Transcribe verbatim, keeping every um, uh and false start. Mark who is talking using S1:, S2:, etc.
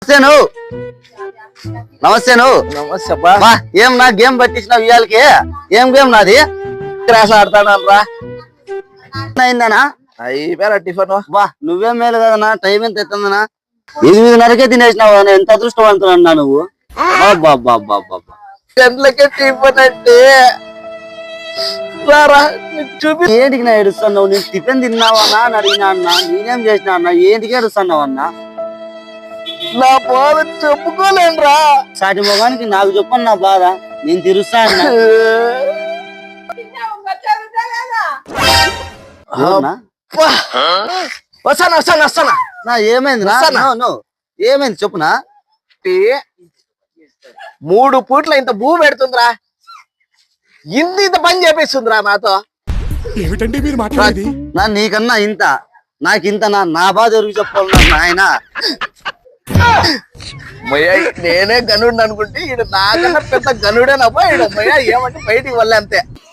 S1: నువ్వు నమస్తే నువ్వు
S2: నమస్తే
S1: బా ఏం నా గేమ్ పట్టించినావు ఇవాళకి ఏం గేమ్ నాది
S2: క్రాస్ ఆడతాను రా
S1: అయిందనా
S2: అయిపోయారా టిఫిన్
S1: బా నువ్వేం మేలు కదనా టైం ఎంత ఎత్తుందనా ఎనిమిదిన్నరకే తినేసినావు ఎంత అదృష్టవంతున్నా నువ్వు
S2: గంటలకే టిఫిన్ అంటే రారా చూపి
S1: ఏంటికి నా ఏడుస్తున్నావు నేను టిఫిన్ తిన్నావన్నా అని అడిగినా అన్నా నేనేం చేసినా అన్నా ఏంటికి ఏడుస్తున్నావు అన్నా
S2: నా బాధ చెప్పుకోలేను రా
S1: సాటి మొగానికి నాకు చెప్పను నా బాధ నేను తిరుస్తా అన్నా
S2: వస్తాను వస్తాను వస్తానా
S1: నా ఏమైంది నా ఏమైంది చెప్పునా
S2: మూడు పూట్ల ఇంత భూ పెడుతుందిరా ఇంత ఇంత పని చేపిస్తుందిరా నాతో
S3: ఏమిటండి మీరు మాట్లాడేది
S1: నా నీకన్నా ఇంత నాకింత నా నా బాధ ఎవరికి చెప్పాలి నాయన
S2: మయ్య నేనే గనుడు అనుకుంటే ఈడు నాకన్నా పెద్ద గనుడేనబ్బా ఈడు మయ్య ఏమంటే బయటికి వెళ్ళే అంతే